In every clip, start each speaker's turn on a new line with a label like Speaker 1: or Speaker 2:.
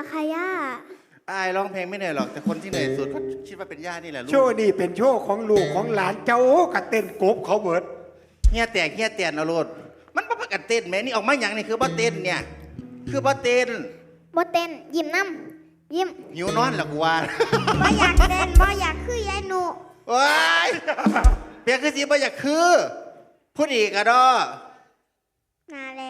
Speaker 1: ค่ะย่า
Speaker 2: อายร้องเพลงไม่เหนื่อยหรอกแต่คนที่เหนื่อยสุดก็คิดว่าเป็นย่านี่แหละลูก
Speaker 3: โชว์นี่เป็นโชว์ของลูกของหลานเจ้ากับเต้นกบเขาเบิด
Speaker 2: เฮียแตกเฮียแตนเอาโลดมันบ่ประกันเต้นแม่นี่ออกมาอย่างนี่คือบ่เต้นเนี่ยคือบ่เต้น
Speaker 1: บ่เต้นยิ้มน้ำยิ้ม
Speaker 2: หิวนอนหรอกูว่า
Speaker 1: บ่อยากเต้นบ่อยากคือยายหนู
Speaker 2: ว้ายเปียกคือสิบ่อยากคือพูดอีกอะดอ
Speaker 1: นาแล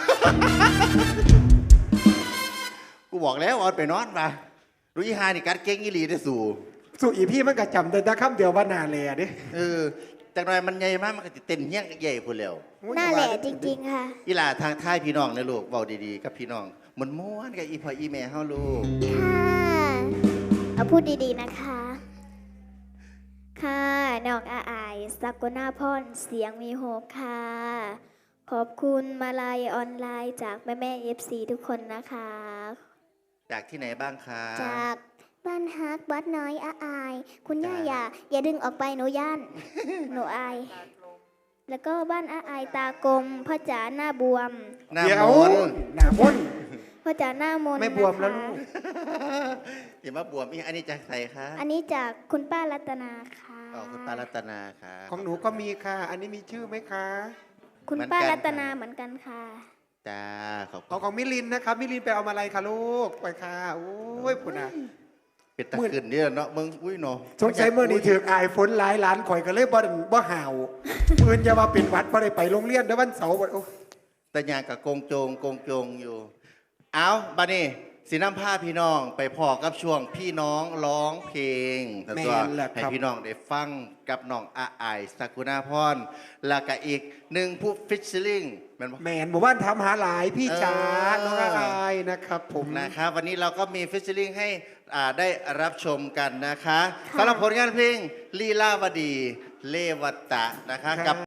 Speaker 2: กูบอกแล้วออนไปนอนมารู้ยี่ห้านี่กัดเก่งอีหลีได้สู่
Speaker 3: สู่อีพี่มันก็จำแต่คำเดียวว่านาแลดิ
Speaker 2: จากหน่อยมันใหญ่มากมันก็จะเต้นเฮี้ยงใหญ่พูดแล้ว
Speaker 1: น่าแหละจริงๆค่ะ
Speaker 2: อีหล่าทางท้ายพี่น้องนะลูกเบาดีๆกับพี่น้องมันม้วนกับอีพ่ออีแม่เฮาลูก
Speaker 1: ค่ะเอาพูดดีๆนะคะค่ะน้องอายสักนาพรเสียงมีโฮกค่ะขอบคุณมาลายออนไลน์จากแม่ๆ FC ทุกคนนะคะ
Speaker 2: จากที่ไหนบ้างคะ
Speaker 1: จากบ้านฮักวัดน้อยอายคุณย่าอย่าดึงออกไปหนูย่านหนูอายแล้วก็บ้านอายตากลมพ่อจ๋าหน้าบวม
Speaker 2: หน้ามน
Speaker 3: หน้ามน
Speaker 1: พ่อจ๋าหน้ามน
Speaker 3: ไม่บวมแล้วลูก
Speaker 2: อย่ามาบวมอันนี้จากใครคะ
Speaker 1: อันนี้จากคุณป้ารัตนาค่ะ
Speaker 2: คุณป้ารัตนาค่ะ
Speaker 3: ของหนูก็มีค่ะอันนี้มีชื่อไหมคะ
Speaker 1: คุณป้ารัตนาเหมือนกันค่ะ
Speaker 2: จ้าขอบ
Speaker 3: ของมิลินนะครับมิลินไปเอามาอะไรคะลูกไปค่ะโอ้ยปุ่นอ่ะ
Speaker 2: เป็นตะขึ้นเนี่ยเนาะมึงอุ้ยเนาะ
Speaker 3: สงสัยเมื่อนี้ถืออายฝนหลายล้านข่อยก็เลยบ่ห่าวปืนจะมาเป็นวัดพอได้ไปโรงเรียนเดี๋ยววันเสาร์
Speaker 2: แต่ยางกับกงโจงอยู่เอาบัดนี้สีน้ำผ้าพี่น้องไปพอกับช่วงพี่น้องร้องเพลงตัวให้พี่น้องได้ฟังกับน้องอายสักุณาพรแล้วก็อีกหนึ่งผู้ฟิชชิลิ่ง
Speaker 3: แมนหมู่บ้านทำหาหลายพี่จ๋าน้องอายนะครับผม
Speaker 2: นะครับวันนี้เราก็มีฟิชชิลิ่งให้ได้รับชมกันนะคะสำหรับผลงานเพลงลีลาวดีเลวตะนะคะกับ